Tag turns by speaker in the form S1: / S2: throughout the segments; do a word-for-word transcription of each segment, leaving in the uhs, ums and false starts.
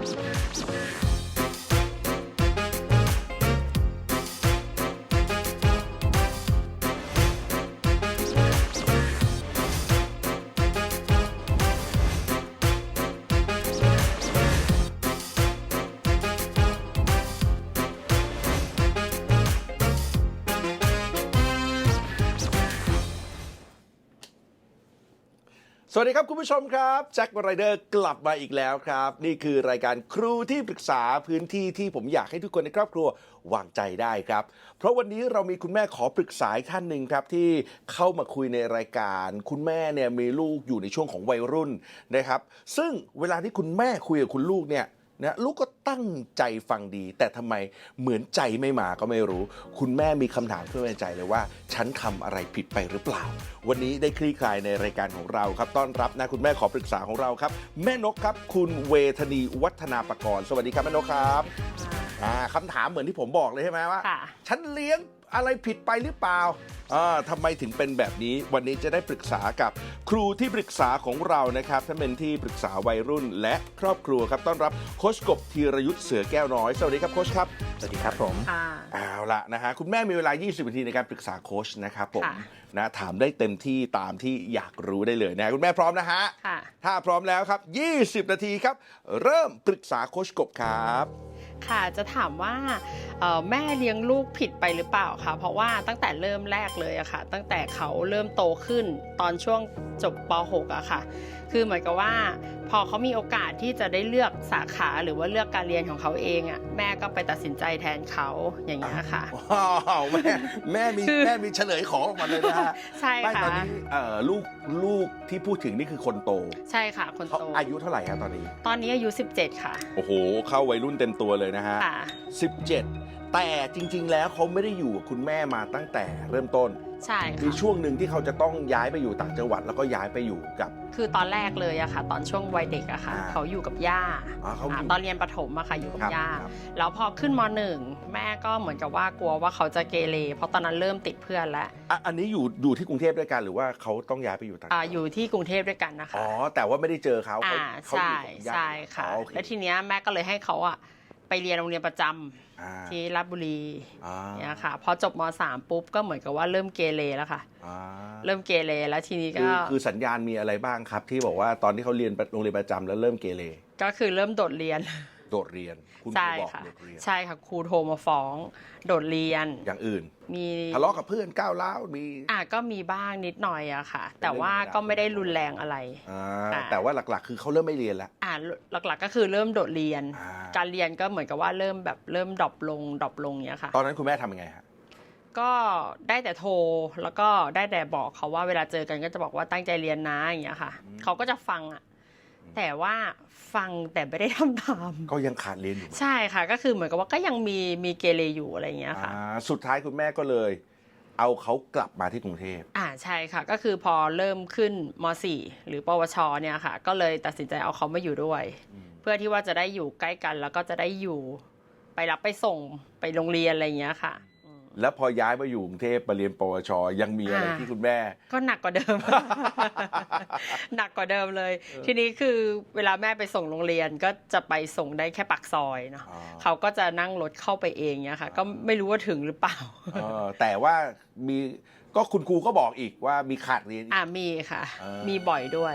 S1: สวัสดีครับคุณผู้ชมครับแจ็คไรเดอร์กลับมาอีกแล้วครับนี่คือรายการครูที่ปรึกษาพื้นที่ที่ผมอยากให้ทุกคนในครอบครัววางใจได้ครับเพราะวันนี้เรามีคุณแม่ขอปรึกษาท่านหนึ่งครับที่เข้ามาคุยในรายการคุณแม่เนี่ยมีลูกอยู่ในช่วงของวัยรุ่นนะครับซึ่งเวลาที่คุณแม่คุยกับคุณลูกเนี่ยนะลูกก็ตั้งใจฟังดีแต่ทำไมเหมือนใจไม่มาก็ไม่รู้คุณแม่มีคำถามขึ้นในใจเลยว่าฉันทำอะไรผิดไปหรือเปล่าวันนี้ได้คลี่คลายในรายการของเราครับต้อนรับนะคุณแม่ขอปรึกษาของเราครับแม่นกครับคุณเวทนีวัฒนาปกรณ์สวัสดีครับแม่นกครับอ่าคำถามเหมือนที่ผมบอกเลยใช่ไหมว่าฉันเลี้ยงอะไรผิดไปหรือเปล่าอ่าทำไมถึงเป็นแบบนี้วันนี้จะได้ปรึกษากับครูที่ปรึกษาของเรานะครับท่านเป็นที่ปรึกษาวัยรุ่นและครอบครัวครับต้อนรับโค้ชกบธีรยุทธเสือแก้วน้อยสวัสดีครับโค้ชครับ
S2: สวัสดีครับผม
S1: เอาละนะฮะคุณแม่มีเวลายี่สิบนาทีในการปรึกษาโค้ชนะครับผมนะถามได้เต็มที่ตามที่อยากรู้ได้เลยนะคุณแม่พร้อมนะฮะถ้าพร้อมแล้วครับยี่สิบนาทีครับเริ่มปรึกษาโค้ชกบครับ
S3: ค่ะจะถามว่าแม่เลี้ยงลูกผิดไปหรือเปล่าคะเพราะว่าตั้งแต่เริ่มแรกเลยอะค่ะตั้งแต่เขาเริ่มโตขึ้นตอนช่วงจบป หก อะค่ะคือเหมือนกับว่าพอเขามีโอกาสที่จะได้เลือกสาขาหรือว่าเลือกการเรียนของเขาเองอะแม่ก็ไปตัดสินใจแทนเขาอย่างเงี้ยค่ะ
S1: ว้าวแม่แม่มีแม่มีเฉลยของออกมาเลยนะฮะ
S3: ใช่ค่ะ
S1: ตอนนี้ลูกลูกที่พูดถึงนี่คือคนโต
S3: ใช่ค่ะคนโต
S1: อายุเท่าไหร่ครับตอนนี้
S3: ตอนนี้อายุสิบเจ็ดค่ะ
S1: โอ้โหเข้าวัยรุ่นเต็มตัวเลยนะฮะสิบเจ็ดแต่จริงๆแล้วเขาไม่ได้อยู่กับคุณแม่มาตั้งแต่เริ่มต้น
S3: ใช่ค่ะ
S1: มีช่วงหนึ่งที่เขาจะต้องย้ายไปอยู่ต่างจังหวัดแล้วก็ย้ายไปอยู่กับ
S3: คือตอนแรกเลยอะค่ะตอนช่วงวัยเด็กอะค่ะเขาอยู่กับย่าตอนเรียนประถมอะค่ะอยู่กับย่าแล้วพอขึ้นม.หนึ่งแม่ก็เหมือนกับว่ากลัวว่าเขาจะเกเรเพราะตอนนั้นเริ่มติดเพื่อนแล้ว
S1: อันนี้อยู่อยู่ที่กรุงเทพด้วยกันหรือว่าเขาต้องย้ายไปอยู่ต่าง
S3: อ่าอยู่ที่กรุงเทพด้วยกันนะคะ
S1: อ๋อแต่ว่าไม่ได้เจอเขา
S3: อ่าใช่ใช่ค่ะแล้วทีเนี้ยแม่ก็เลยให้เขาอะไปเรียนโรงเรียนประจำที่ราชบุรีเนี่ยค่ะพอจบม.สาม ปุ๊บก็เหมือนกับว่าเริ่มเกเรแล้วค่ะเริ่มเกเรแล้วทีนี้ก็
S1: คือสัญญาณมีอะไรบ้างครับที่บอกว่าตอนที่เขาเรียนโรงเรียนประจำแล้วเริ่มเกเร
S3: ก็คือเริ่มโดดเรียน
S1: โดดเรียนคุณ
S3: ครูบอกโดดเรียนใช่ค่ะครูโทรมาฟ้องโดดเรียน
S1: อย่างอื่น
S3: มี
S1: ทะเลาะกับเพื่อนก้าวร้าวมี
S3: อ่ะก็มีบ้างนิดหน่อยอะค่ะแต่ว่าก็ไม่ได้รุนแรงอะไร
S1: แต่ว่าหลักๆคือเขาเริ่มไม่เรียนแล้ว
S3: อ่าหลักๆก็คือเริ่มโดดเรียนการเรียนก็เหมือนกับว่าเริ่มแบบเริ่มดรอปลงดรอปลงเนี้ยค่ะ
S1: ตอนนั้นคุณแม่ทำยังไงฮะ
S3: ก็ได้แต่โทรแล้วก็ได้แต่บอกเขาว่าเวลาเจอกันก็จะบอกว่าตั้งใจเรียนนะอย่างเงี้ยค่ะเขาก็จะฟังอะแต่ว่าฟังแต่ไม่ได้ทำตาม
S1: ก็ยังขาดเรียนอยู่
S3: ใช่ค่ะก็คือเหมือนกับว่าก็ยังมีมีเกเรอยู่อะไรอย่างเงี้ยค่ะ
S1: สุดท้ายคุณแม่ก็เลยเอาเขากลับมาที่กรุงเทพ
S3: อ่าใช่ค่ะก็คือพอเริ่มขึ้นม.สี่ หรือปวชเนี่ยค่ะก็เลยตัดสินใจเอาเขามาอยู่ด้วยเพื่อที่ว่าจะได้อยู่ใกล้กันแล้วก็จะได้อยู่ไปรับไปส่งไปโรงเรียนอะไรอย่างเงี้ยค่ะ
S1: แล้วพอย้ายมาอยู่กรุงเทพมาเรียนปวชยังมีอะไรที่คุณแม่
S3: ก็หนักกว่าเดิม หนักกว่าเดิมเลยทีนี้คือเวลาแม่ไปส่งโรงเรียนก็จะไปส่งได้แค่ปากซอยเนาะเขาก็จะนั่งรถเข้าไปเองเนี่ยค่ะก็ไม่รู้ว่าถึงหรือเปล่า
S1: แต่ว่ามีก็คุณครูก็บอกอีกว่ามีขาดเรียน
S3: อ่ามีค่ะมีบ่อยด้วย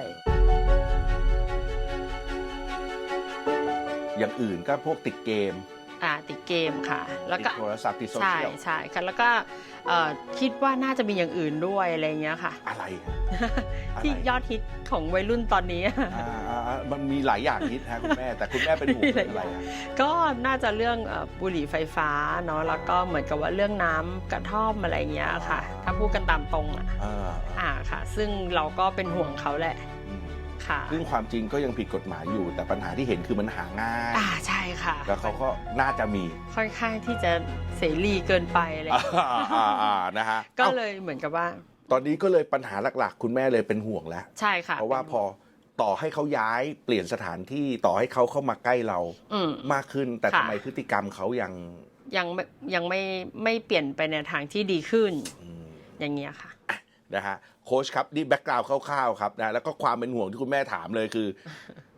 S1: อย่างอื่นก็พวกติดเกม
S3: อ่าติดเกมค่ะแล้วก็
S1: ติดโทรศัพท์ติดโซเชียล
S3: ใช่ใช่ค่ะแล้วก็คิดว่าน่าจะมีอย่างอื่นด้วยอะไรเงี้ยค่ะ
S1: อะไร
S3: ที่ยอดฮิตของวัยรุ่นตอนนี้
S1: มันมีหลายอย่างฮิตฮะคุณแม่แต่คุณแม่เป็นห่วงอะไร
S3: ก็น่าจะเรื่องบุหรี่ไฟฟ้าเนาะแล้วก็เหมือนกับว่าเรื่องน้ำกระท่อมอะไรเงี้ยค่ะถ้าพูดกันตามตรงอ่ะอ่าค่ะซึ่งเราก็เป็นห่วงเขาแหละ
S1: ซึ่งความจริงก็ยังผิดกฎหมายอยู่แต่ปัญหาที่เห็นคือมันหาง่าย
S3: อ่าใช่ค่ะ
S1: แล้วเขาก็น่าจะมี
S3: ค่อนข้างที่จะเสรีเกินไปอะไร
S1: อ่านะฮะ
S3: ก็เลยเหมือนกับว่า
S1: ตอนนี้ก็เลยปัญหาหลักๆคุณแม่เลยเป็นห่วงแล้ว
S3: ใช่ค่ะ
S1: เพราะว่าพอต่อให้เขาย้ายเปลี่ยนสถานที่ต่อให้เขาเข้ามาใกล้เรามากขึ้นแต่ทำไมพฤติกรรมเขายัง
S3: ยังยังไม่ไม่เปลี่ยนไปในทางที่ดีขึ้นอย่างเงี้ยค่ะ
S1: นะฮะโค้ชครับนี่แบ็กกราวด์คร่าวๆครับนะแล้วก็ความเป็นห่วงที่คุณแม่ถามเลยคือ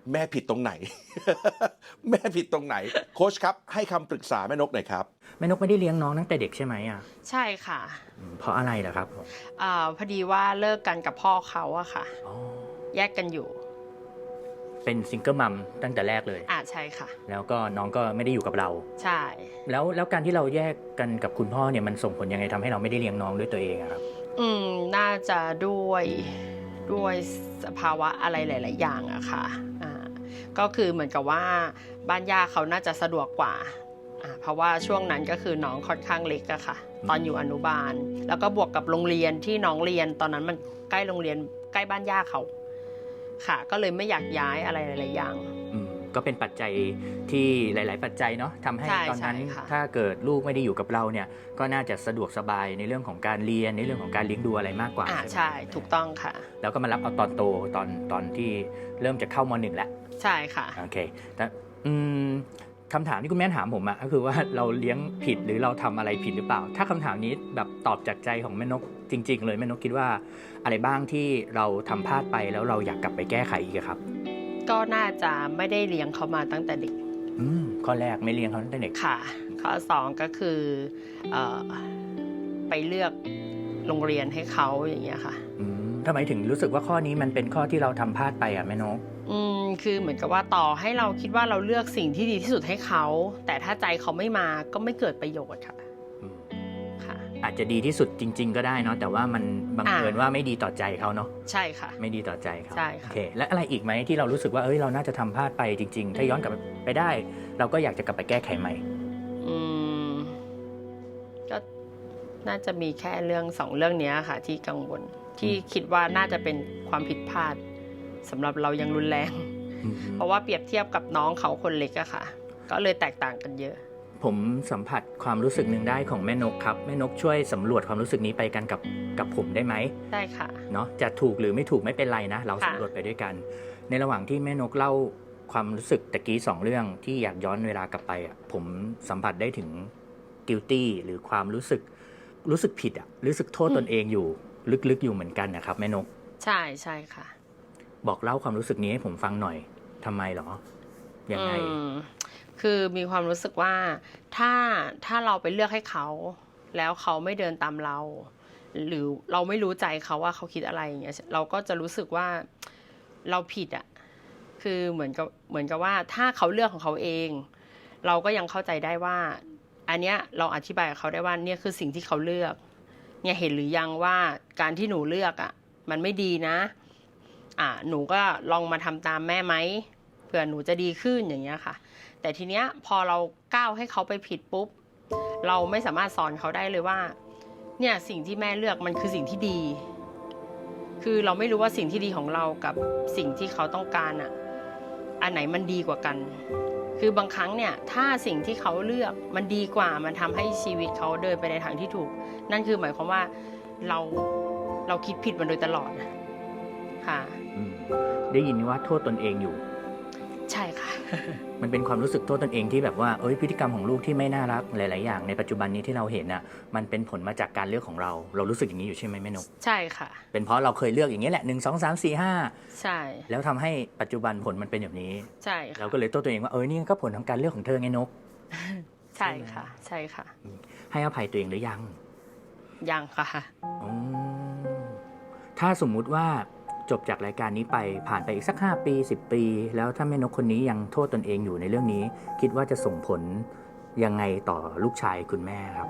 S1: แม่ผิดตรงไหน แม่ผิดตรงไหนโค้ชครับให้คำปรึกษาแม่นกหน่อยครับ
S2: แม่นกไม่ได้เลี้ยงน้องตั้งแต่เด็กใช่ไหมอ่ะ
S3: ใช่ค่ะ
S2: อืมเพราะอะไรล่ะครับ
S3: อ่าพอดีว่าเลิกกันกับพ่อเขาอะค่ะ
S2: อ๋อ
S3: แยกกันอยู่
S2: เป็นซิงเกิลมัมตั้งแต่แรกเลย
S3: อ่าใช่ค่ะ
S2: แล้วก็น้องก็ไม่ได้อยู่กับเรา
S3: ใช่
S2: แล้วแล้วการที่เราแยกกันกับคุณพ่อเนี่ยมันส่งผลยังไงทำให้เราไม่ได้เลี้ยงน้องด้วยตัวเองอะครับ
S3: อืมน่าจะด้วยด้วยสภาวะอะไรหลาย ๆ อย่างอะค่ะอ่าก็คือเหมือนกับว่าบ้านย่าเขาน่าจะสะดวกกว่าอ่าเพราะว่าช่วงนั้นก็คือน้องค่อนข้างเล็กอะค่ะ ตอนอยู่อนุบาล แล้วก็บวกกับโรงเรียนที่น้องเรียนตอนนั้นมันใกล้โรงเรียนใกล้บ้านย่าเขาค่ะ ก็เลยไม่อยากย้ายอะไรหลาย ๆ อย่าง
S2: อืมก็เป็นปัจจัยที่หลาย ๆ ปัจจัยเนาะทำให้
S3: ใช่
S2: ตอนนั้น
S3: ใช่ค่ะ
S2: ถ้าเกิดลูกไม่ได้อยู่กับเราเนี่ยก็น่าจะสะดวกสบายในเรื่องของการเรียนในเรื่องของการเลี้ยงดูอะไรมากกว่า
S3: อ่า
S2: ไหม
S3: ใช่ถูกต้องค่ะ
S2: แล้วก็มารับเอาตอนโตตอนตอนที่เริ่มจะเข้ามหนึ่งแล้ว
S3: ใช่ค่ะ
S2: โอเคแต่อืมคำถามที่คุณแม่ถามผมอะก็คือว่าเราเลี้ยงผิดหรือเราทำอะไรผิดหรือเปล่า ถ้าคำถามนี้แบบตอบจากใจของแม่นกจริง ๆ เลยแม่นกคิดว่าอะไรบ้างที่เราทำพลาดไปแล้วเราอยากกลับไปแก้ไขอีกอะครับ
S3: ก็น่าจะไม่ได้เลี้ยงเขามาตั้งแต่เด็ก
S2: อืมข้อแรกไม่เลี้ยงเขาตั้งแต่เด็ก
S3: ค่ะ ข้อสองก็คือเอ่อไปเลือกโรงเรียนให้เขาอย่างเงี้ยค่ะ
S2: อืมทำไมถึงรู้สึกว่าข้อนี้มันเป็นข้อที่เราทำพลาดไปอะแม่นก
S3: อืมคือเหมือนกับว่าต่อให้เราคิดว่าเราเลือกสิ่งที่ดีที่สุดให้เขา แต่ถ้าใจเขาไม่มาก็ไม่เกิดประโยชน์ค่ะ
S2: อืม
S3: ค่ะ
S2: อาจจะดีที่สุดจริง ๆ ก็ได้เนาะแต่ว่ามันบังเอิญ
S3: อ่า
S2: ว่าไม่ดีต่อใจเขาเนาะ
S3: ใช่ค่ะ
S2: ไม่ดีต่อใจเขา
S3: ใช่ค่ะ
S2: โอเคและอะไรอีกไหมที่เรารู้สึกว่าเอ้ยเราน่าจะทำพลาดไปจริง ๆ ถ้าย้อนกลับไปได้ เราก็อยากจะกลับไปแก้ไขใหม่
S3: อืมก็น่าจะมีแค่เรื่องสองเรื่องเนี้ยค่ะ ที่กังวลที่คิดว่าน่าจะเป็นความผิดพลาดสำหรับเรายังรุนแรง
S2: อืม
S3: เพราะว่าเปรียบเทียบกับน้องเขาคนเล็กอะค่ะ ก็เลยแตกต่างกันเยอะ
S2: ผมสัมผัสความรู้สึกหนึ่งได้ของแม่นกครับแม่นกช่วยสำรวจความรู้สึกนี้ไปกันกับกับผมได้ไหม
S3: ได้ค่ะ
S2: เนาะจะถูกหรือไม่ถูกไม่เป็นไรนะ เรา
S3: ค่ะ
S2: สำรวจไปด้วยกัน ในระหว่างที่แม่นกเล่าความรู้สึกตะกี้สองเรื่องที่อยากย้อนเวลากลับไปอ่ะผมสัมผัสได้ถึง guilty หรือความรู้สึกรู้สึกผิดอ่ะรู้สึกโทษตนเองอยู่ลึกๆอยู่เหมือนกันนะครับแม่นก
S3: ใช่ใช่ค่ะ
S2: บอกเล่าความรู้สึกนี้ให้ผมฟังหน่อยทำไมหรอยังไง
S3: อืมคือมีความรู้สึกว่าถ้าถ้าเราไปเลือกให้เขา แล้วเขาไม่เดินตามเรา หรือเราไม่รู้ใจเขาว่าเขาคิดอะไรอย่างเงี้ยเราก็จะรู้สึกว่าเราผิดอ่ะคือเหมือนกับเหมือนกับว่าถ้าเขาเลือกของเขาเอง เราก็ยังเข้าใจได้ว่า อันเนี้ยเราอธิบายกับเขาได้ว่าเนี่ยคือสิ่งที่เขาเลือกเนี่ยเห็นหรือยังว่าการที่หนูเลือกอ่ะมันไม่ดีนะ อ่าหนูก็ลองมาทำตามแม่ไหมเผื่อหนูจะดีขึ้นอย่างเงี้ยค่ะ แต่ทีเนี้ยพอเราก้าวให้เขาไปผิดปุ๊บเราไม่สามารถสอนเขาได้เลยว่าเนี่ยสิ่งที่แม่เลือกมันคือสิ่งที่ดี คือเราไม่รู้ว่าสิ่งที่ดีของเรากับสิ่งที่เขาต้องการอ่ะอันไหนมันดีกว่ากัน คือบางครั้งเนี่ยถ้าสิ่งที่เขาเลือกมันดีกว่ามันทำให้ชีวิตเขาเดินไปในทางที่ถูก นั่นคือหมายความว่าเราเราคิดผิดมาโดยตลอดนะค่ะ
S2: อืมได้ยินว่าโทษตนเองอยู่
S3: ใช่ค่ะ
S2: มันเป็นความรู้สึกโทษตนเองที่แบบว่าเอ้ยพฤติกรรมของลูกที่ไม่น่ารักหลาย ๆ อย่างในปัจจุบันนี้ที่เราเห็นน่ะมันเป็นผลมาจากการเลือกของเรา เรารู้สึกอย่างนี้อยู่ใช่ไหมแม่นก
S3: ใช่ค่ะ
S2: เป็นเพราะเราเคยเลือกอย่างนี้แหละหนึ่งสองสามสี่ห้า
S3: ใช่
S2: แล้วทำให้ปัจจุบันผลมันเป็นแบบนี้
S3: ใช่ค่ะ
S2: เราก็เลยโทษตัวเองว่าเอ้ยนี่ก็ผลของการเลือกของเธอไงนก
S3: ใช่ค่ะ ใช่ค่ะ
S2: ให้อภัยตัวเองหรือยัง
S3: ยังค่ะ
S2: อืมถ้าสมมุติว่าจบจากรายการนี้ไปผ่านไปอีกสักห้าปีสิบปี แล้วถ้าแม่นกคนนี้ยังโทษตนเองอยู่ในเรื่องนี้ คิดว่าจะส่งผลยังไงต่อลูกชายคุณแม่ครับ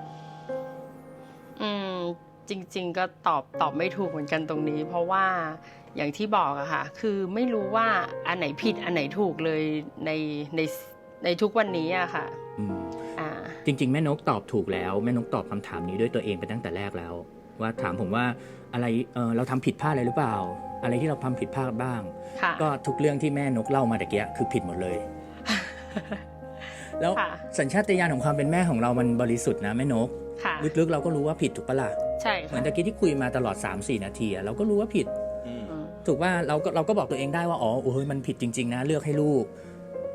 S3: อืมจริง ๆ ก็ตอบตอบไม่ถูกเหมือนกันตรงนี้ เพราะว่าอย่างที่บอกอะค่ะ คือไม่รู้ว่าอันไหนผิดอันไหนถูกเลยในในในทุกวันนี้อะค่ะ
S2: อืม
S3: อ่า
S2: จริงๆ แม่นกตอบถูกแล้วแม่นกตอบคำถามนี้ด้วยตัวเองไปตั้งแต่แรกแล้ว ว่าถามผมว่าอะไรเออเราทำผิดพลาดอะไรหรือเปล่า อะไรที่เราทำผิดพลาดบ้าง
S3: ค่ะ
S2: ก็ทุกเรื่องที่แม่นกเล่ามาตะเกียคือผิดหมดเลย แล้ว
S3: ค่ะ
S2: สัญชาตญาณของความเป็นแม่ของเรามันบริสุทธิ์นะแม่นก
S3: ค่ะ
S2: ลึกๆเราก็รู้ว่าผิดถูกปะล่ะ
S3: ใช่
S2: เหมือ
S3: ค่ะ
S2: นตะกี้ที่คุยมาตลอด สามสี่ นาทีอะเราก็รู้ว่าผิด
S1: อืม
S3: อืม
S2: ถูกว่าเราก็เราก็บอกตัวเองได้ว่าอ๋อโอ้ยมันผิดจริงๆนะเลือกให้ลูก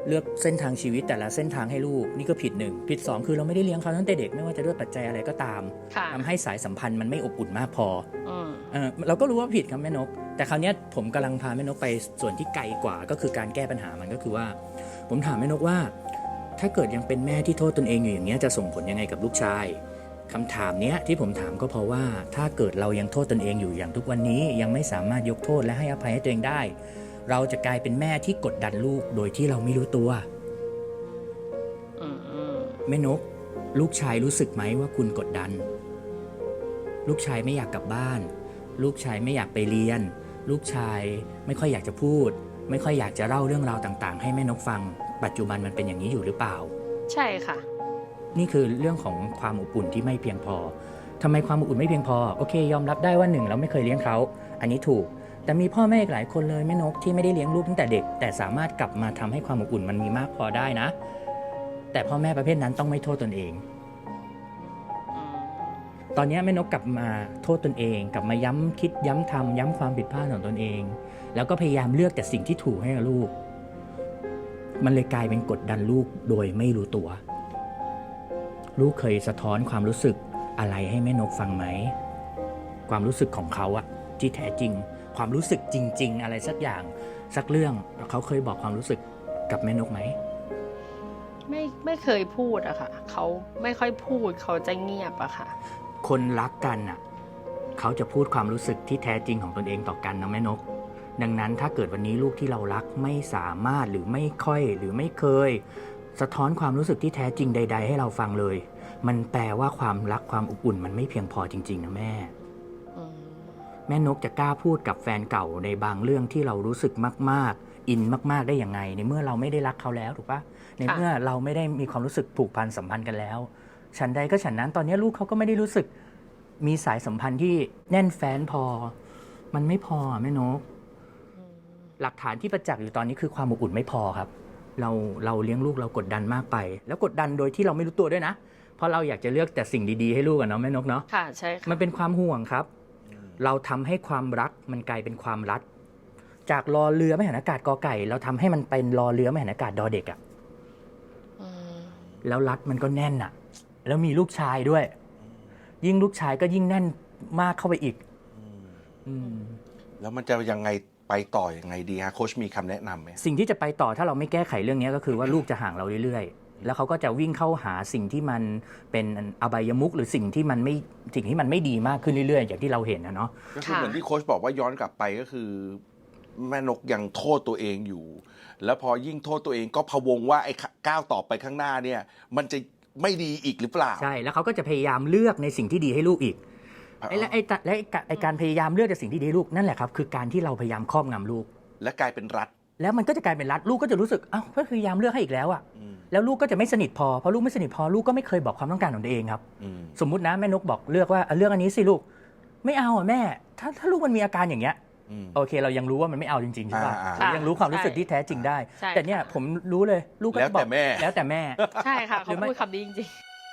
S2: เลือกเส้นทางชีวิตแต่ละเส้นทางให้ลูกนี่ก็ผิดหนึ่งผิดสองคือเราไม่ได้เลี้ยงเขาตั้งแต่เด็กไม่ว่าจะด้วยปัจจัยอะไรก็ตาม
S3: ค่ะ
S2: ทำให้สายสัมพันธ์มันไม่อบอุ่นมากพอ
S3: อืม
S2: เออเราก็รู้ว่าผิดครับแม่นก แต่คราวเนี้ยผมกำลังพาแม่นกไปส่วนที่ไกลกว่าก็คือการแก้ปัญหามันก็คือว่า ผมถามแม่นกว่า ถ้าเกิดยังเป็นแม่ที่โทษตนเองอยู่อย่างเนี้ยจะส่งผลยังไงกับลูกชายคำถามเนี้ยที่ผมถามก็เพราะว่าถ้าเกิดเรายังโทษตนเองอยู่อย่างทุกวันนี้ยังไม่สามารถยกโทษและให้อภัยให้ตัวเองได้ เราจะกลายเป็นแม่ที่กดดันลูกโดยที่เราไม่รู้ตัว
S3: อืมอืม
S2: แม่นก ลูกชายรู้สึกไหมว่าคุณกดดัน ลูกชายไม่อยากกลับบ้าน ลูกชายไม่อยากไปเรียน ลูกชายไม่ค่อยอยากจะพูด ไม่ค่อยอยากจะเล่าเรื่องราวต่างๆ ให้แม่นกฟัง ปัจจุบันมันเป็นอย่างนี้อยู่หรือเปล่า
S3: ใช่ค่ะ
S2: นี่คือเรื่องของความอบอุ่นที่ไม่เพียงพอทำไมความอบอุ่นไม่เพียงพอโอเคยอมรับได้ว่าหนึ่งเราไม่เคยเลี้ยงเขาอันนี้ถูกแต่มีพ่อแม่อีกหลายคนเลยแม่นกที่ไม่ได้เลี้ยงลูกตั้งแต่เด็กแต่สามารถกลับมาทำให้ความอบอุ่นมันมีมากพอได้นะแต่พ่อแม่ประเภทนั้นต้องไม่โทษตนเอง
S3: อืม
S2: ตอนนี้แม่นกกลับมาโทษตนเองกลับมาย้ำคิดย้ำทำย้ำความผิดพลาดของตนเองแล้วก็พยายามเลือกแต่สิ่งที่ถูกให้กับลูกมันเลยกลายเป็นกดดันลูกโดยไม่รู้ตัวลูกเคยสะท้อนความรู้สึกอะไรให้แม่นกฟังไหมความรู้สึกของเขาอะที่แท้จริงความรู้สึกจริงๆอะไรสักอย่างสักเรื่องเขาเคยบอกความรู้สึกกับแม่นกไหม
S3: ไม่ไม่เคยพูดอะค่ะเขาไม่ค่อยพูดเขาจะเงียบอะค่ะ
S2: คนรักกันอะเขาจะพูดความรู้สึกที่แท้จริงของตนเองต่อกันนะแม่นกดังนั้นถ้าเกิดวันนี้ลูกที่เรารักไม่สามารถหรือไม่ค่อยหรือไม่เคยสะท้อนความรู้สึกที่แท้จริงใดๆให้เราฟังเลยมันแปลว่าความรักความอบอุ่นมันไม่เพียงพอจริงๆนะแม่
S3: อืม
S2: แม่นกจะกล้าพูดกับแฟนเก่าในบางเรื่องที่เรารู้สึกมากๆอินมากๆได้อย่างไงในเมื่อเราไม่ได้รักเขาแล้วถูกปะในเมื่อเราไม่ได้มีความรู้สึกผูกพันสัมพันธ์กันแล้วฉันใดก็ฉันนั้นตอนนี้ลูกเขาก็ไม่ได้รู้สึกมีสายสัมพันธ์ที่แน่นแฟ้นพอมันไม่พอแม่นก
S3: อืม
S2: หลักฐานที่ประจักษ์อยู่ตอนนี้คือความอบอุ่นไม่พอครับเราเราเลี้ยงลูกเรากดดันมากไป แล้วกดดันโดยที่เราไม่รู้ตัวด้วยนะเพราะเราอยากจะเลือกแต่สิ่งดีๆให้ลูกอะเนาะแม่นกเนาะ
S3: ค่ะใช่ค่ะ
S2: มันเป็นความห่วงครับ เราทำให้ความรักมันกลายเป็นความรัดจากรอเรือไม่หันอากาศกอไก่ เราทำให้มันเป็นรอเรือไม่หันอากาศดอเด็กอะ
S3: อืม
S2: แล้วรัดมันก็แน่นอะแล้วมีลูกชายด้วย ยิ่งลูกชายก็ยิ่งแน่นมากเข้าไปอีก อืม
S1: แล้วมันจะยังไงไปต่อยังไงดีฮะโค้ชมีคำแนะนำไหม
S2: สิ่งที่จะไปต่อถ้าเราไม่แก้ไขเรื่องนี้ก็คือว่าลูกจะห่างเราเรื่อยๆ แล้วเขาก็จะวิ่งเข้าหาสิ่งที่มันเป็นอบายมุขหรือสิ่งที่มันไม่สิ่งที่มันไม่ดีมากขึ้นเรื่อยๆ อย่างที่เราเห็นนะเนาะ
S1: ก็คือเหมือนที่โค้ชบอกว่าย้อนกลับไปก็คือ แม่นกยังโทษตัวเองอยู่ แล้วพอยิ่งโทษตัวเองก็พะวงว่าไอ้ก้าวต่อไปข้างหน้าเนี่ย มันจะไม่ดีอีกหรือเปล่า
S2: ใช่แล้วเขาก็จะพยายามเลือกในสิ่งที่ดีให้ลูกอีกไอ้และไอ้ตะและไอ้กะไอ้การพยายามเลือกแต่สิ่งที่ดีให้ลูกนั่นแหละครับคือการที่เราพยายามครอบงำลูก
S1: และกลายเป็นรัฐ
S2: แล้วมันก็จะกลายเป็นรัดลูกก็จะรู้สึกอ้าวก็พยายามเลือกให้อีกแล้วอะ
S1: อืม
S2: แล้วลูกก็จะไม่สนิทพอพอลูกไม่สนิทพอลูกก็ไม่เคยบอกความต้องการของตัวเองครับ
S1: อืม
S2: สมมุตินะแม่นกบอกเลือกว่าเลือกอันนี้สิลูกไม่เอาอ่ะแม่ถ้าถ้าลูกมันมีอาการอย่างเงี้ย
S1: อืม
S2: โอเคเรายังรู้ว่ามันไม่เอาจริงๆใช่ป่ะ
S1: อ่า
S2: เรายังรู้ความรู้สึกที่แท้จริงได้
S3: ใช่
S2: แต่เนี่ย
S3: ค่ะ
S2: ผมรู้เลยลูกก็
S1: แล้ว
S2: จะบอ
S1: แต่
S2: ก
S1: แม่
S2: แล้วแต่แม่
S3: ใช่ค่ะ
S2: หรื
S3: เขา
S2: อไม่
S3: พูดคำนี้จริง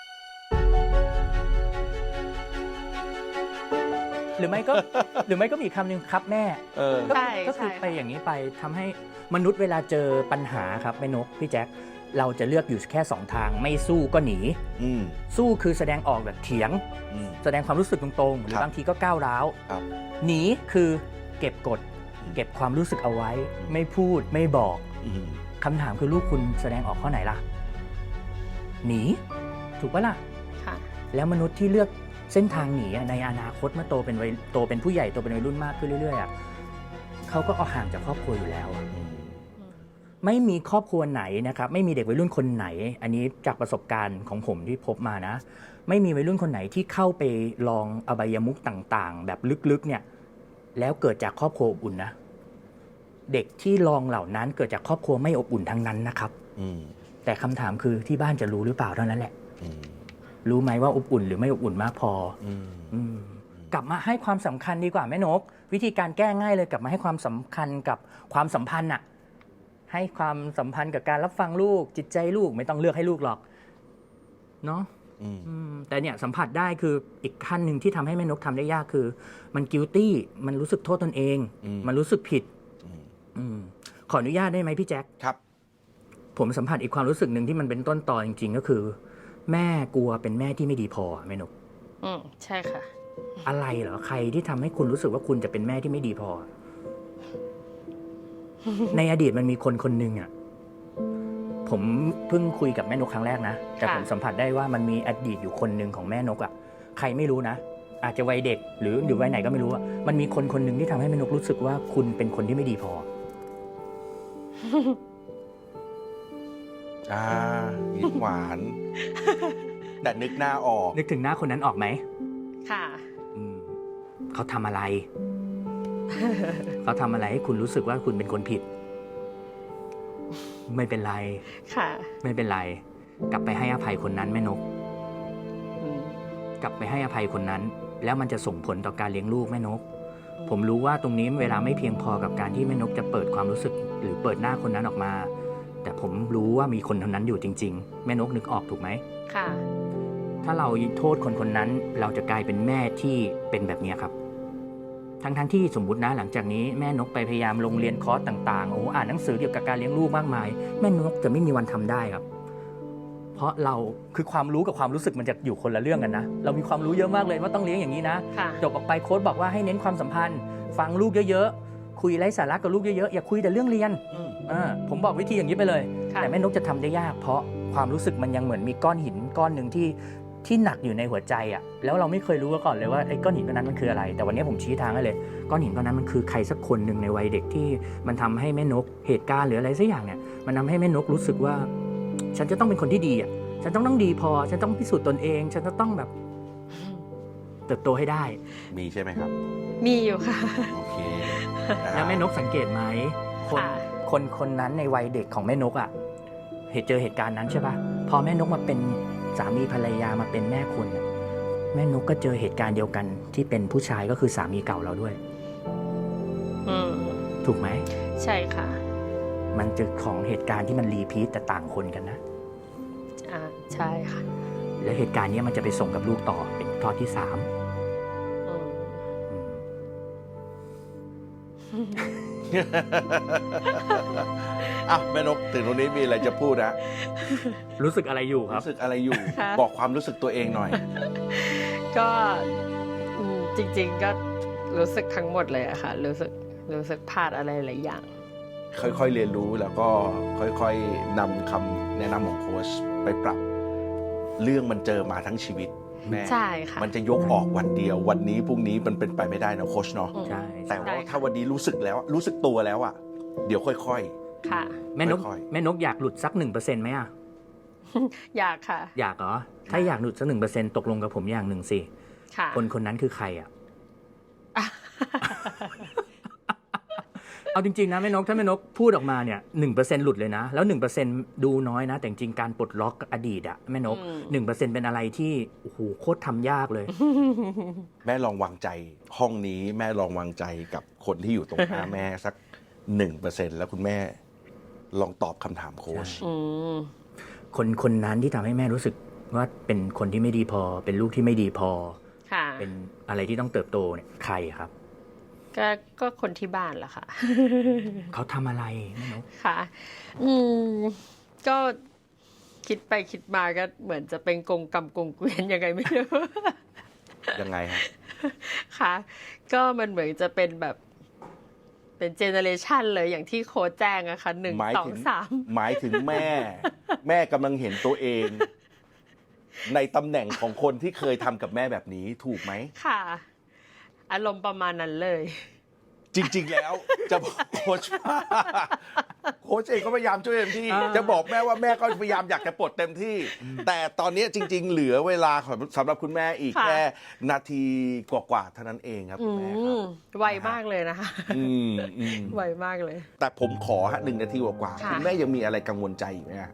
S2: หรือไม่ก็ หรือไม่ก็มีอีกคำหนึ่งครับแม่
S1: เออ
S2: ก็
S3: ใช่
S2: ก็คือ
S3: ใช่
S2: ไปอย่างนี้ไปทำให้มนุษย์เวลาเจอปัญหาครับแม่นกพี่แจ็คเราจะเลือกอยู่แค่สองทางไม่สู้ก็หนี
S1: อืม
S2: สู้คือแสดงออกแบบเถียง
S1: อืม
S2: แสดงความรู้สึกตรงๆ หรือบางทีก็ก้าวร้าว
S1: ครับ
S2: หนีคือเก็บกด เก็บความรู้สึกเอาไว้ ไม่พูดไม่บอก
S1: อืม
S2: คำถามคือลูกคุณแสดงออกข้อไหนล่ะ หนี ถูกปะล่ะ
S3: ๆ ค่ะ
S2: แล้วมนุษย์ที่เลือกเส้นทางหนีอะในอนาคตเมื่อโตเป็นวัยโตเป็นผู้ใหญ่โตเป็นวัยรุ่นมากขึ้นเรื่อยๆอะเขาก็เอาห่างจากครอบครัวอยู่แล้วอะ
S1: อืม
S2: ไม่มีครอบครัวไหนนะครับไม่มีเด็กวัยรุ่นคนไหน อันนี้จากประสบการณ์ของผมที่พบมานะ ไม่มีวัยรุ่นคนไหนที่เข้าไปลองอบายมุขต่างๆ แบบลึกๆเนี่ยแล้วเกิดจากครอบครัวอบอุ่นนะเด็กที่ลองเหล่านั้นเกิดจากครอบครัวไม่อบอุ่นทั้งนั้นนะครับ
S1: อืม
S2: แต่คำถามคือที่บ้านจะรู้หรือเปล่าเท่านั้นแหละ
S1: อืม
S2: รู้ไหมว่าอบอุ่นหรือไม่อบอุ่นมากพอ
S1: อืม
S2: อืมกลับมาให้ความสำคัญดีกว่าแม่นก วิธีการแก้ง่ายเลยกลับมาให้ความสำคัญกับความสัมพันธ์น่ะให้ความสัมพันธ์กับการรับฟังลูกจิตใจลูกไม่ต้องเลือกให้ลูกหรอกเนาะ
S1: อืม
S2: อืมแต่เนี่ยสัมผัสได้คืออีกขั้นหนึ่งที่ทำให้แม่นกทำได้ยากคือ มันกิลตี้มันรู้สึกโทษตนเอง
S1: อืม
S2: มันรู้สึกผิด
S1: อืม
S2: อืมขออนุญาตได้ไหมพี่แจ็ค
S1: ครับ
S2: ผมสัมผัสอีกความรู้สึกหนึ่งที่มันเป็นต้นตอจริงๆก็คือ แม่กลัวเป็นแม่ที่ไม่ดีพอแม่นก
S3: อืมใช่ค่ะ
S2: อะไรเหรอใครที่ทำให้คุณรู้สึกว่าคุณจะเป็นแม่ที่ไม่ดีพอ ในอดีตมันมีคนคนหนึ่งอ่ะผมเพิ่งคุยกับแม่นกครั้งแรกนะแต่
S3: ค่ะ
S2: ผมสัมผัสได้ว่ามันมีอดีตอยู่คนหนึ่งของแม่นกอ่ะใครไม่รู้นะอาจจะวัยเด็กหรือหรือวัยไหนก็ไม่รู้อ่ะมันมีคนคนหนึ่งที่ทำให้แม่นกรู้สึกว่าคุณเป็นคนที่ไม่ดีพอ
S1: อ่ายิ้มหวาน แต่นึกหน้าออก
S2: นึกถึงหน้าคนนั้นออกไหม
S3: ค่ะ
S2: อืมเขาทำอะไร เขาทำอะไรให้คุณรู้สึกว่าคุณเป็นคนผิด ไม่เป็นไร
S3: ค่ะ
S2: ไม่เป็นไร กลับไปให้อภัยคนนั้นแม่นก
S3: อืม
S2: กลับไปให้อภัยคนนั้น แล้วมันจะส่งผลต่อการเลี้ยงลูกแม่นก ผมรู้ว่าตรงนี้เวลาไม่เพียงพอกับการที่แม่นกจะเปิดความรู้สึก หรือเปิดหน้าคนนั้นออกมา แต่ผมรู้ว่ามีคนคนนั้นอยู่จริง ๆ แม่นกนึกออกถูกไหม
S3: ค่ะ
S2: ถ้าเราโทษคนคนนั้น เราจะกลายเป็นแม่ที่เป็นแบบนี้ครับ ทั้งทั้งที่สมมุตินะหลังจากนี้แม่นกไปพยายามลงเรียนคอร์สต่างๆโอ้อ่านหนังสือเกี่ยวกับการเลี้ยงลูกมากมาย แม่นกจะไม่มีวันทำได้ครับ เพราะเราคือความรู้กับความรู้สึกมันจะอยู่คนละเรื่องกันนะ เรามีความรู้เยอะมากเลยว่าต้องเลี้ยงอย่างนี้นะ
S3: ค่ะ
S2: จบออกไปโค้ชบอกว่าให้เน้นความสัมพันธ์ ฟังลูกเยอะๆคุยไร้สาระกับลูกเยอะๆอย่าคุยแต่เรื่องเรียน
S1: อืม
S2: อ่าผมบอกวิธีอย่างนี้ไปเลย
S3: ค่ะ
S2: แต่แม่นกจะทำได้ยาก เพราะความรู้สึกมันยังเหมือนมีก้อนหินก้อนหนึ่งที่ที่หนักอยู่ในหัวใจอ่ะแล้วเราไม่เคยรู้มาก่อนเลยว่าไอ้ก้อนหินก้อนนั้นมันคืออะไร แต่วันนี้ผมชี้ทางให้เลยก้อนหินก้อนนั้นมันคือใครสักคนหนึ่งในวัยเด็กที่มันทำให้แม่นกเหตุการณ์หรืออะไรสักอย่างเนี่ยมันทำให้แม่นกรู้สึกว่า ฉันจะต้องเป็นคนที่ดีอ่ะฉันต้องต้องดีพอ ฉันต้องพิสูจน์ตนเอง ฉันจะต้องแบบเติบโตให้ได้
S1: มีใช่ไหมครับ
S3: มีอยู่ค่ะ
S1: โอเค
S2: แล้วแม่นกสังเกตไหมคน
S3: ค่ะ
S2: คนคนนั้นในวัยเด็กของแม่นกอ่ะเหตุเจอเหตุการณ์นั้นใช่ปะพอแม่นกมาเป็นสามีภรรยามาเป็นแม่คนน่ะแม่นกก็เจอเหตุการณ์เดียวกันที่เป็นผู้ชายก็คือสามีเก่าเราด้วย
S3: อืม
S2: ถูกไหม
S3: ใช่ค่ะ
S2: มันเจอของเหตุการณ์ที่มันรีพีทแต่ต่างคนกันนะ
S3: อ่า ใช่ค่ะ
S2: แล้วเหตุการณ์เนี้ยมันจะไปส่งกับลูกต่อเป็นทอดที่สาม
S3: อืม
S2: อืม
S1: อ่ะแม่นกถึงตรงนี้มีอะไรจะพูดนะ
S2: รู้สึกอะไรอยู่ครับ
S1: รู้สึกอะไรอยู่
S3: ค่ะ
S1: บอกความรู้สึกตัวเองหน่อย
S3: ก็อืมจริง ๆ ก็รู้สึกทั้งหมดเลยอะค่ะ รู้สึก รู้สึกพลาดอะไรหลายอย่าง
S1: ค่อยๆเรียนรู้แล้วก็ค่อยๆนำคำแนะนำของโค้ชไปปรับ เรื่องมันเจอมาทั้งชีวิตแม่
S3: ใช่ค่ะ
S1: มันจะยกออกวันเดียว วันนี้พรุ่งนี้มันเป็นไปไม่ได้นะโค้ชเนาะ
S3: อืม
S2: ใช่
S1: แต่
S3: ได้
S1: ว่า
S3: ค่ะ
S1: ถ้าวันนี้รู้สึกแล้วรู้สึกตัวแล้วอ่ะ เดี๋ยวค่อย
S3: ค่ะ
S2: แม่นก
S1: ค่อยๆ
S2: แม่นกอยากหลุดสักหนึ่งเปอร์เซ็นต์ไหมอ่ะ
S3: อยากค่ะ
S2: อยากเหรอ ถ้าอยากหลุดสักหนึ่งเปอร์เซ็นต์ตกลงกับผมอย่างหนึ่งสิ
S3: ค่ะ
S2: คนคนนั้นคือใครอ่ะ เอาจริงๆนะแม่นกถ้าแม่นกพูดออกมาเนี่ยหนึ่งเปอร์เซ็นต์หลุดเลยนะ แล้วหนึ่งเปอร์เซ็นต์ดูน้อยนะ แต่จริงๆการปลดล็อกอดีตอะแม่นก
S3: อืม
S2: หนึ่งเปอร์เซ็นต์เป็นอะไรที่โอ้โหโคตรทำยากเลย
S1: ๆ แม่ลองวางใจห้องนี้แม่ลองวางใจกับคนที่อยู่ตรงหน้าแม่สักหนึ่งเปอร์เซ็นต์แล้วคุณแม่ลองตอบคำถามโค้ช
S2: ใช่
S3: อืม
S2: คนคนนั้นที่ทำให้แม่รู้สึกว่าเป็นคนที่ไม่ดีพอ เป็นลูกที่ไม่ดีพอ
S3: ค่ะ
S2: เป็นอะไรที่ต้องเติบโตเนี่ยใครครับ
S3: ก็ก็คนที่บ้านแหละค่ะ
S2: เขาทำอะไรแม่นก
S3: ค่ะ อืม ก็คิดไปคิดมาก็เหมือนจะเป็นกงกรรมกงเกวียนยังไงไม่รู้
S1: ยังไงฮะ
S3: ค่ะ ก็มันเหมือนจะเป็นแบบ เป็นเจเนอเรชันเลยอย่างที่โค้ชแจ้งอะค่ะหนึ่ง
S1: หมาย
S3: สอ
S1: ถึ
S3: ง
S1: ง
S3: สาม
S1: หมายถึงแม่ แม่กำลังเห็นตัวเอง ในตำแหน่งของคนที่เคยทำกับแม่แบบนี้ถูกไหม
S3: ค่ะ อารมณ์ประมาณนั้นเลย
S1: จริง ๆ แล้วจะบอกโค้ชว่าโค้ชเองก็พยายามช่วยเต็มที่
S2: อ่า
S1: จะบอกแม่ว่าแม่ก็พยายามอยากจะปลดเต็มที่ แต่ตอนนี้จริง ๆ เหลือเวลาสำหรับคุณแม่อีก
S3: ค่ะ
S1: แค่นาทีกว่าๆเท่านั้นเองครับ
S3: อื
S1: คุณแม่ครั
S3: ม
S1: บ
S3: ไวมากเลยนะคะ
S1: อืมอืม
S3: ไวมากเลย
S1: แต่ผมขอฮะหนึ่งนาทีกว่าๆ
S3: ค่ะ
S1: คุณแม่ยังมีอะไรกังวลใจอยู่ไหมฮะ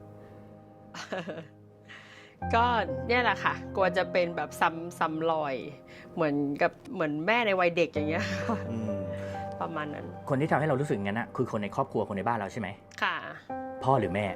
S3: ก็เนี่ยแหละค่ะ กลัวจะเป็นแบบซ้ำซ้ำรอย เหมือนกับเหมือนแม่ในวัยเด็กอย่างเงี้ย
S1: อืม
S3: ประมาณนั้น
S2: คนที่ทำให้เรารู้สึกอย่างนั้นนะคือคนในครอบครัวคนในบ้านเราใช่ไหม
S3: ค่ะ
S2: พ่อหรือแม่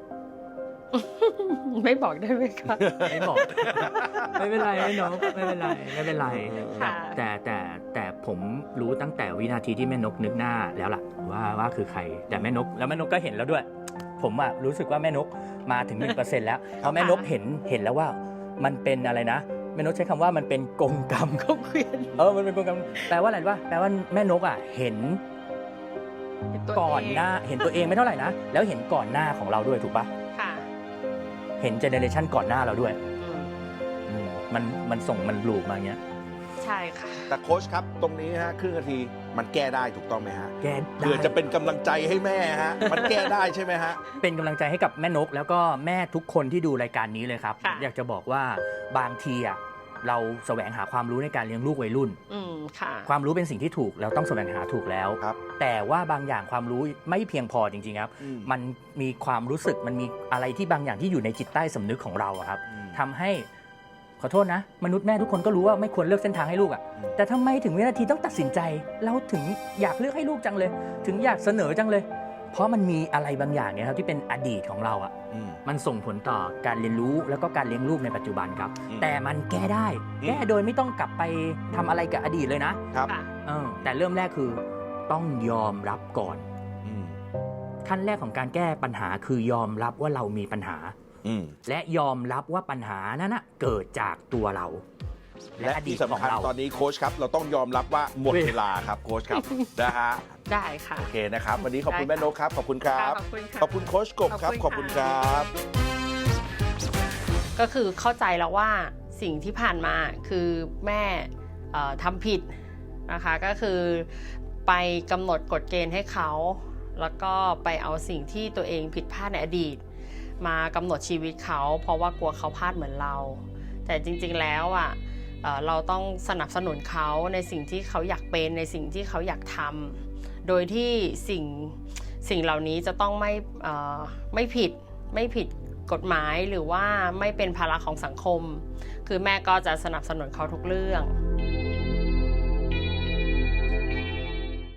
S3: ไม่บอกได้ไหมคะ
S2: ไม่บอก ไม่เป็นไรไม่นกไม่เป็นไรไม่เป็นไร
S3: ค่ะ
S2: แต่แต่แต่ผมรู้ตั้งแต่วินาทีที่แม่นกนึกหน้าแล้วล่ะว่าว่าคือใคร แต่แม่นกแล้วแม่นกก็เห็นแล้วด้วยผมอะรู้สึกว่าแม่นกมาถึง หนึ่งเปอร์เซ็นต์ แล้วเพราะแม่นกเห็นเห็นแล้วว่ามันเป็นอะไรนะแม่นกใช้คำว่ามันเป็นกงกรรม
S3: กงเกวียน
S2: เออมันเป็นกงกรรมแปลว่าอะไรวะแปลว่าแม่นกอะเห็นก่อนหน้าเห็นตัวเองไม่เท่าไหร่นะแล้วเห็นก่อนหน้าของเราด้วยถูกปะ
S3: ค่ะ
S2: เห็นเจเนเรชันก่อนหน้าเราด้วย
S3: อืม
S2: อืมมันมันส่งมันลูปมาอย่างเงี้ย
S3: ใช่ค่ะ
S1: แต่โค้ชครับตรงนี้ฮะครึ่งนาทีมันแก้ได้ถูกต้องไหมฮะ
S2: แก
S1: เพื่อจะเป็นกำลังใจให้แม่ฮะมันแก้ได้ใช่ไหมฮะ
S2: เป็นกำลังใจให้กับแม่นก แล้วก็แม่ทุกคนที่ดูรายการนี้เลยครับ
S3: ค่ะ
S2: อยากจะบอกว่าบางทีอ่ะเราแสวงหาความรู้ในการเลี้ยงลูกวัยรุ่น
S3: อืมค่ะ
S2: ความรู้เป็นสิ่งที่ถูกเราต้องแสวงหาถูกแล้ว
S1: ครับ
S2: แต่ว่าบางอย่างความรู้ไม่เพียงพอจริงๆครับ
S1: อืม
S2: มันมีความรู้สึกมันมีอะไรที่บางอย่างที่อยู่ในจิตใต้สำนึกของเราอะครับ
S1: อืม
S2: ทำให้ขอโทษนะ มนุษย์แม่ทุกคนก็รู้ว่าไม่ควรเลือกเส้นทางให้ลูกอะ
S1: อืม
S2: แต่ทำไมถึงวินาทีต้องตัดสินใจ เราถึงอยากเลือกให้ลูกจังเลย ถึงอยากเสนอจังเลย เพราะมันมีอะไรบางอย่างเนี่ยครับที่เป็นอดีตของเราอะ
S1: อืม
S2: มันส่งผลต่อการเรียนรู้แล้วก็การเลี้ยงลูกในปัจจุบันครับ
S1: อืม
S2: แต่มันแก้ได้
S1: อืม
S2: แก้โดยไม่ต้องกลับไปทำอะไรกับอดีตเลยนะครับ
S3: ค่ะ
S2: เออแต่เริ่มแรกคือต้องยอมรับก่อน
S1: อืม
S2: ขั้นแรกของการแก้ปัญหาคือยอมรับว่าเรามีปัญหา
S1: อืม
S2: และยอมรับว่าปัญหานั้นนะเกิดจากตัวเรา และ
S1: และ
S2: อดี
S1: ที่
S2: ตของ
S1: สำคัญ
S2: เรา
S1: ตอนนี้โค้ชครับ เราต้องยอมรับว่าหมด
S2: เว้ย
S1: เวลาครับโค้ชครับ นะฮะ
S3: ได้ค่ะ
S1: โอเคนะครับ วันนี้ขอบคุณ
S3: ได้
S1: แม่
S3: ค่ะ
S1: นกครับ ขอบคุณครับ
S3: ขอบคุณค่ะ
S1: ขอบคุณโค้ชกบครับ ข
S3: ข
S1: อ
S3: อ
S1: บบ
S3: คุ
S1: คุณ
S3: ณ
S1: ค
S3: ค่ะ
S1: รับ
S3: ก็คือเข้าใจแล้วว่าสิ่งที่ผ่านมาคือแม่เอ่อทำผิดนะคะก็คือไปกำหนดกฎเกณฑ์ให้เขา แล้วก็ไปเอาสิ่งที่ตัวเองผิดพลาดในอดีต มากำหนดชีวิตเขาเพราะว่ากลัวเขาพลาดเหมือนเรา แต่จริงๆแล้วอ่ะเอ่อเราต้องสนับสนุนเขาในสิ่งที่เขาอยากเป็นในสิ่งที่เขาอยากทำโดยที่สิ่งสิ่งเหล่านี้จะต้องไม่เอ่อไม่ผิดไม่ผิดกฎหมายหรือว่าไม่เป็นภาระของสังคม คือแม่ก็จะสนับสนุนเขาทุกเรื่อง